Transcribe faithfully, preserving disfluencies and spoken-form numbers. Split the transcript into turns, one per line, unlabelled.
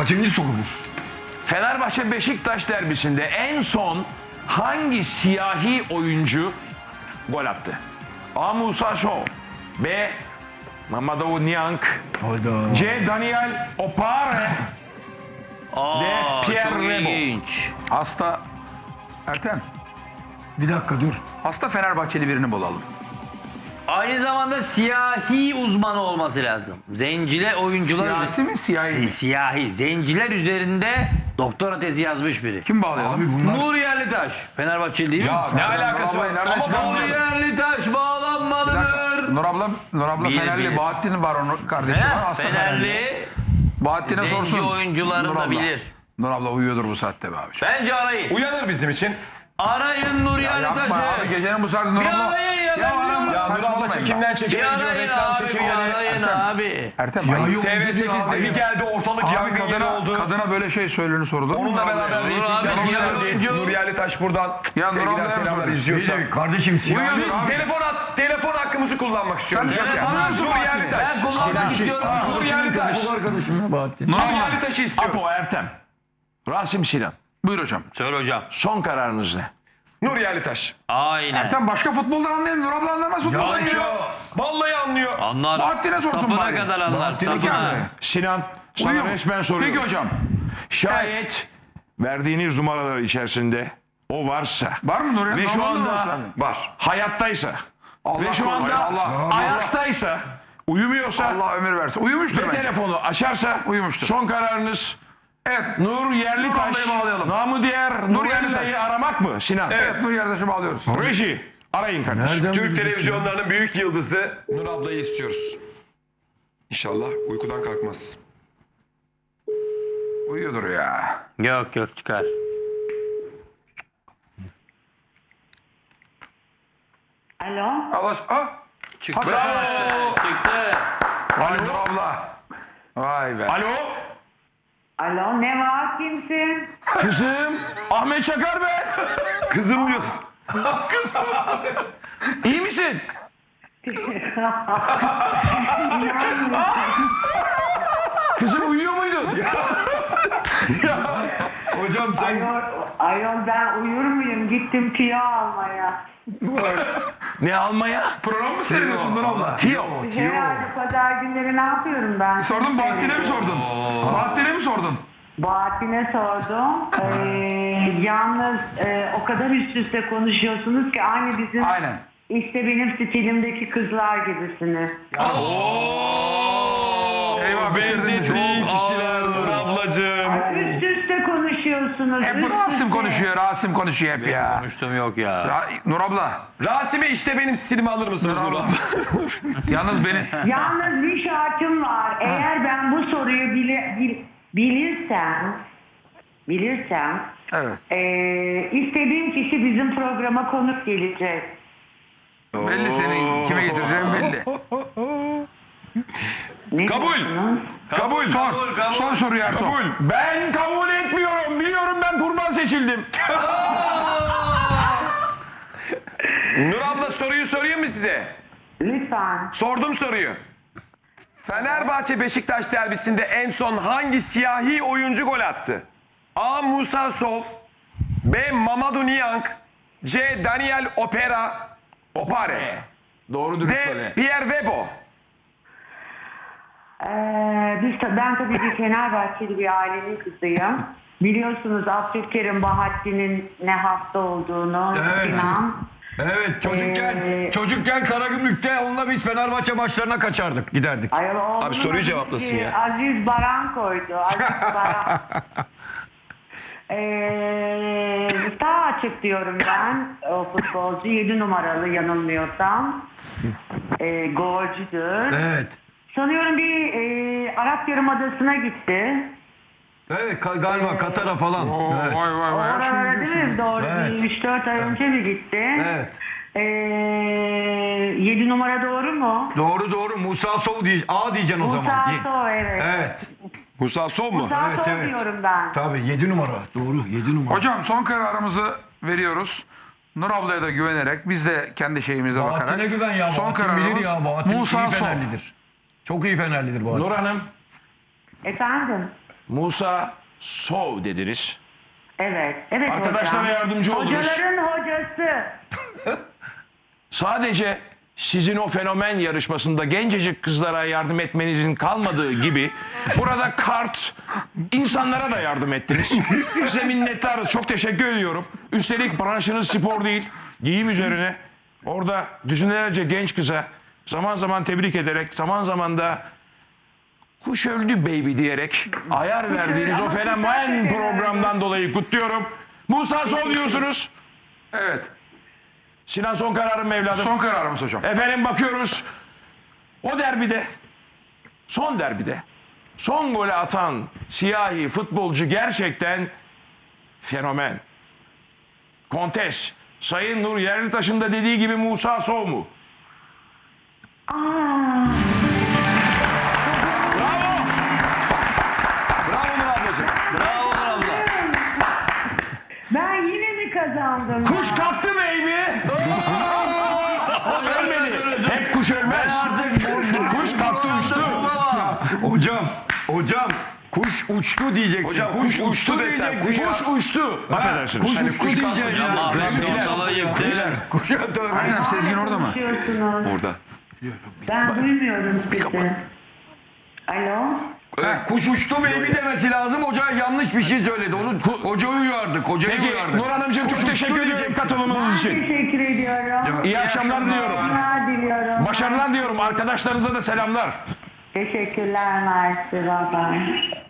Kaçıncı soru bu?
Fenerbahçe Beşiktaş derbisinde en son hangi siyahi oyuncu gol attı? A. Musa Sow, B. Mamadou Niang,
Hayda.
C. Daniel Opare,
Aa,
De Pierre
çok
Rebo.
ilginç.
Hasta Ertem.
Bir dakika dur.
Hasta Fenerbahçeli birini bulalım.
Aynı zamanda siyahi uzmanı olması lazım. Zenciler oyuncular...
Siyasi mi siyahi mi?
Si- Siyahi. Zenciler üzerinde doktora tezi yazmış biri.
Kim bağlayalım?
Abi bunlar...
Nur Yerlitaş. Fenerbahçeli değil mi?
Ya
Ne alakası var?
Nereden
Ama
çıkardın?
Nur Yerlitaş
Bir dakika.
bağlanmalıdır.
Nur abla, Nur abla
Bilir,
Fenerli.
bilir.
Bahattin var onun kardeşi var.
He?
Hasta Fenerli.
Fenerli.
Bahattin'e
Zenci
sorsun.
oyuncularını
Nur
da
abla.
bilir.
Nur abla uyuyordur bu saatte be abi.
Bence arayın.
Uyanır bizim için.
Arayın Nur
Yapma abi
Yerlitaş'ı.
gecenin bu saatte Nur
Bir
abla.
arayın ya, ben
arama,
diyorum.
Ya Nur abla
saçmalamayın
çekimden
Bir
çekime gidiyor.
arayın
Reklam
abi. Bir
çekimleri.
arayın
Ertem.
abi.
be. Ertem
Siyahi
ayıp.
oyuncu
T V
diyor
sekizde
abi
bir
ya.
geldi ortalık
Abi
yangın yeri
kadına,
oldu.
kadına böyle şey söylenir sorulur mu?
Onunla
Nur
beraber
ablaya?
reytingler
abi,
yükseldi.
oyuncu.
Nur Yerlitaş buradan
Ya Nur
sevgiler
ablaya
selamlar
mı
izliyorsa.
Şey, kardeşim siyahi.
Uyuyor
Biz
abi.
telefon at, telefon hakkımızı kullanmak istiyoruz.
Sen-
Telefonu
Ya,
musun
Nur
Bahattin?
Yerlitaş.
Ben kullanmak istiyorum.
Nur Yerlitaş.
Bu arkadaşım ya Bahattin.
Nur
Nur
abla.
Yerlitaş'ı istiyoruz.
Apo Ertem, Rasim Sinan.
Buyur hocam.
Söyle hocam.
Son kararınız ne?
Nur Yerlitaş.
Aynen.
Ertem başka futboldan anlayın. Nur abla anlamaz futboldan ya.
Vallahi anlıyor.
Anlar.
Bahattin'e sorsun
Sapına
bari.
kadar anlar.
Bahattin'e
Sapına.
abi.
Sinan, sana
Uyuyor mu?
resmen soruyorum.
Peki hocam.
Şayet verdiğiniz numaralar içerisinde o varsa
Var mı Nur?
ve şu anda
Var.
hayattaysa
Allah
ve şu
korusun,
anda
Allah,
ayaktaysa, uyumuyorsa
Allah ömür versin. Uyumuştur
ve
bence.
telefonu açarsa
Uyumuştur.
son kararınız
Evet.
Nur Yerlitaş,
Nur ablayı bağlayalım.
namı diğer Nur Yerlitaş'ı aramak mı Sinan?
Evet. Nur Yerdaş'ı bağlıyoruz.
Reji, arayın kardeşim.
Nereden
Türk
bilecek
televizyonlarının büyük yıldızı Nur ablayı istiyoruz. İnşallah uykudan kalkmaz.
Uyuyordur ya.
Yok yok çıkar.
Alo.
Allah ah.
Çıktı.
Bravo.
Çıktı.
Vay Nur abla. Vay be.
Alo,
Alo ne var kimsin?
kızım, Ahmet Çakar ben.
Kızım diyoruz.
İyi misin? Kızım uyuyor muydun?
Hocam sen...
Ayol, ayol ben uyur muyum? Gittim tüyo almaya.
Ne almaya?
Program mı seyrediyorsun Nur abla?
Tiyo.
Herhalde pazar günleri ne yapıyorum ben?
Sordun Bahattin'e mi sordun? Bahattin'e mi sordun?
Bahattin'e sordum. Ee, yalnız e, o kadar üst üste konuşuyorsunuz ki aynı bizim
Aynen.
işte benim stilimdeki kızlar gibisiniz.
Eyvah
Benzettiğin kişiler Nur ablacığım.
Üst üste konuşuyorsunuz.
Hep bu
üst
Rasim
üste.
konuşuyor. Rasim konuşuyor hep ya.
Konuştum yok ya.
Ra- Nur abla.
Rasim'e işte benim stilimi alır mısınız Nur abla?
Yalnız beni.
Yalnız bir şartım var. Eğer ben bu soruyu bile, bil, bilirsem, bilirsem,
Evet.
eee istediğim kişi bizim programa konuk gelecek.
Belli senin kime getireceğin belli.
Ne
Kabul.
diyorsunuz?
Kabul.
Sor. Son soruyu Ertuğ.
Kabul.
Ben kabul etmiyorum. Biliyorum ben kurban seçildim.
Nur abla soruyu sorayım mı size?
Lütfen.
Sordum soruyu. Fenerbahçe Beşiktaş derbisinde en son hangi siyahi oyuncu gol attı? A. Musa Sow, B. Mamadou Niang, C. Daniel Opera, Opare,
Doğru dürüst
D.
söyle.
Pierre Rebo.
Eee biz, ta- ben tabii bir Fenerbahçeli bir ailenin kızıyım. Biliyorsunuz Abdülkerim Bahattin'in ne hasta olduğunu.
Evet.
Sinan.
Evet çocukken
Ee,
çocukken Karagümrük'te onunla biz Fenerbahçe maçlarına kaçardık giderdik.
Ayol oğlunun
Abi soruyu
adı
cevaplasın
ki
ya.
Aziz Baran koydu. Aziz Baran. Eee daha açık diyorum ben. O futbolcu yedi numaralı yanılmıyorsam. Eee golcüdür.
Evet.
Sanıyorum bir eee Arap Yarımadası'na gitti.
Evet ka- galiba Katar'a falan.
Oo,
Evet.
Vay vay vay.
Oralara değil mi? Doğru
Evet.
bir üç dört ay önce mi gitti?
Evet.
Eee yedi numara doğru mu?
Doğru doğru Musa Sow diye A diyeceksin o zaman.
Musa
Ye-
Sow evet.
Evet.
Musa Sow mu?
Musa
Evet,
Sow
evet.
diyorum ben.
Tabii yedi numara. Doğru yedi numara.
Hocam son kararımızı veriyoruz. Nur ablaya da güvenerek biz de kendi şeyimize bakarak.
Bahattin'e güven ya.
Son
Bahattin
kararımız
bilir ya. Bahattin
Musa
iyi
Sow.
Fenerlidir. Çok iyi Fenerlidir Bahattin.
Nur Hanım,
Efendim?
Musa Sov dediniz.
Evet. Evet
Arkadaşlara
hocam.
yardımcı oldunuz.
Hocaların hocası.
Sadece sizin o fenomen yarışmasında gencecik kızlara yardım etmenizin kalmadığı gibi burada kart insanlara da yardım ettiniz. Size minnettarız. Çok teşekkür ediyorum. Üstelik branşınız spor değil, giyim üzerine. Orada düzinelerce genç kıza zaman zaman tebrik ederek, zaman zaman da kuş öldü baby diyerek ayar verdiğiniz o fenomen programdan dolayı kutluyorum. Musa Sol diyorsunuz.
Evet.
Sinan son kararım evladım.
Son kararımız hocam.
Efendim bakıyoruz. O derbide, son derbide, son golü atan siyahi futbolcu gerçekten fenomen. Kontes, Sayın Nur Yerlitaş'ın da dediği gibi Musa Sow mu?
Aa,
Bravo. Bravo Nur ablacığım.
Bravo Nur abla.
ben yine mi kazandım?
Kuş kalktı baby. Ölmedi. Hep kuş ölmez. Kuş kalktı uçtu.
Hocam, hocam kuş uçtu diyeceksin.
Hocam kuş uçtu desem. Kuş
Kuş uçtu. Affedersiniz.
Kuş uçtu diyeceksin
Hocam
ya.
Ahmet ortalığı yıktı.
Aynen Sezgin orada mı?
Konuşuyorsunuz.
Orada.
Ben duymuyorum sizi. Alo?
Evet, kuş uçtu baby demesi lazım. Hoca yanlış bir şey söyledi. Onu hocayı uyardık. Hocayı
Peki
uyardık.
Nur Hanımcığım çok teşekkür ediyorum
diyeceksin.
katılımınız için.
Teşekkür ediyorum.
İyi akşamlar diliyorum.
Başarılar diliyorum.
Başarılar diliyorum. Arkadaşlarınıza da selamlar.
Teşekkürler Mersi. Bye bye.